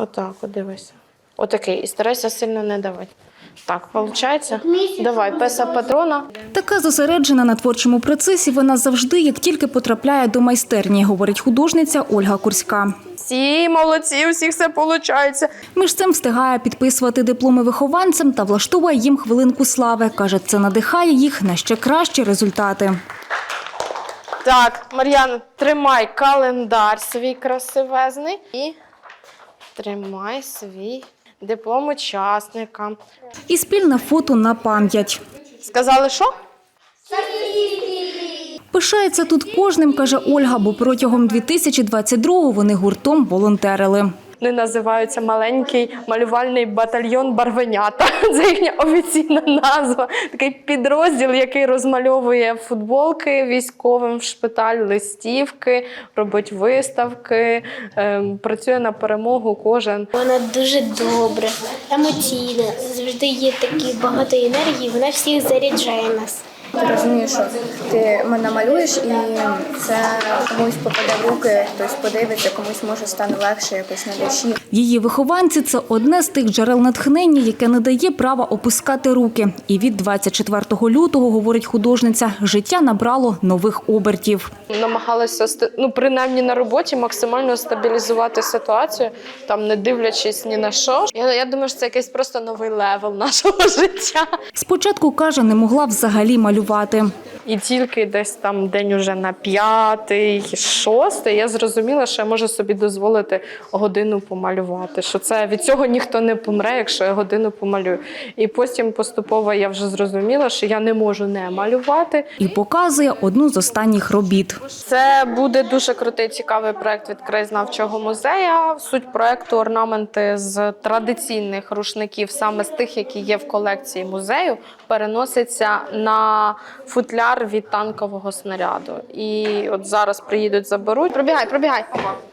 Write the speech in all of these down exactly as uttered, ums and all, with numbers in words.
Отак, от дивися. Отакий. І старайся сильно не давати. Так, виходить? Давай, песа патрона. Така зосереджена на творчому процесі вона завжди, як тільки потрапляє до майстерні, говорить художниця Ольга Курська. Всі молодці, у всіх все виходить. Між цим встигає підписувати дипломи вихованцям та влаштовує їм хвилинку слави. Каже, це надихає їх на ще кращі результати. Так, Мар'яна, тримай календар свій красивезний і тримай свій диплом учасника. І спільне фото на пам'ять. Сказали, що? Пишається тут кожним, каже Ольга, бо протягом дві тисячі двадцять другого вони гуртом волонтерили. Вони називаються «Маленький малювальний батальйон Барвенята». Це їхня офіційна назва. Такий підрозділ, який розмальовує футболки військовим в шпиталь, листівки, робить виставки, ем, працює на перемогу кожен. Вона дуже добра, емоційна, завжди є такі багато енергії, вона всіх заряджає нас. Ти розумієш, що ти мене малюєш, і це комусь попаде в руки, хтось подивиться, комусь може стане легше якось на душі. Її вихованці – це одне з тих джерел натхнення, яке не дає права опускати руки. І від двадцять четвертого лютого, говорить художниця, життя набрало нових обертів. Намагалася, ну, принаймні на роботі, максимально стабілізувати ситуацію, там не дивлячись ні на що. Я, я думаю, що це якийсь просто новий левел нашого життя. Спочатку, каже, не могла взагалі малювати. І тільки десь там день уже на п'ятий, шостий я зрозуміла, що я можу собі дозволити годину помалювати. Що це від цього ніхто не помре, якщо я годину помалюю. І потім поступово я вже зрозуміла, що я не можу не малювати. І показує одну з останніх робіт. Це буде дуже крутий, цікавий проєкт від краєзнавчого музею. Суть проєкту – орнаменти з традиційних рушників, саме з тих, які є в колекції музею, переносяться на футляр від танкового снаряду. І от зараз приїдуть, заберуть. Пробігай, пробігай.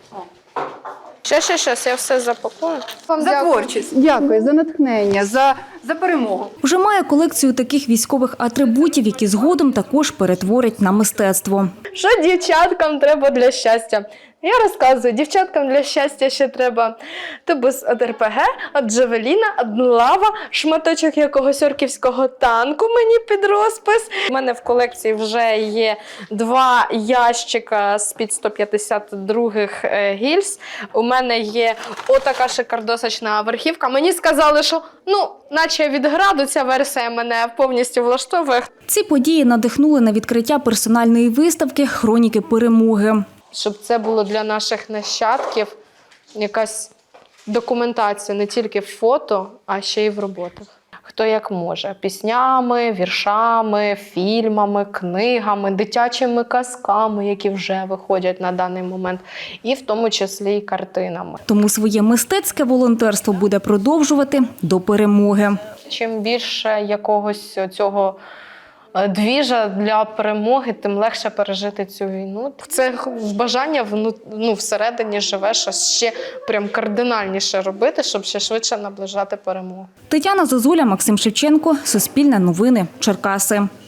Ще, ще, ще, я все запакую. Вам за творчість. Дякую, за натхнення, за, за перемогу. Вже має колекцію таких військових атрибутів, які згодом також перетворять на мистецтво. Що дівчаткам треба для щастя? Я розказую, дівчаткам для щастя ще треба тубус від ер пе ге, від Джавеліна, від лава, шматочок якогось орківського танку мені під розпис. У мене в колекції вже є два ящика з-під сто п'ятдесят других гільз. У мене є отака шикардосочна верхівка. Мені сказали, що, ну, наче від граду ця версія мене повністю влаштовує. Ці події надихнули на відкриття персональної виставки «Хроніки перемоги». Щоб це було для наших нащадків якась документація не тільки в фото, а ще й в роботах. Хто як може. Піснями, віршами, фільмами, книгами, дитячими казками, які вже виходять на даний момент, і в тому числі і картинами. Тому своє мистецьке волонтерство буде продовжувати до перемоги. Чим більше якогось цього двіжа для перемоги, тим легше пережити цю війну. Це бажання ну, всередині живе, щось ще прям кардинальніше робити, щоб ще швидше наближати перемогу. Тетяна Зозуля, Максим Шевченко, Суспільне новини, Черкаси.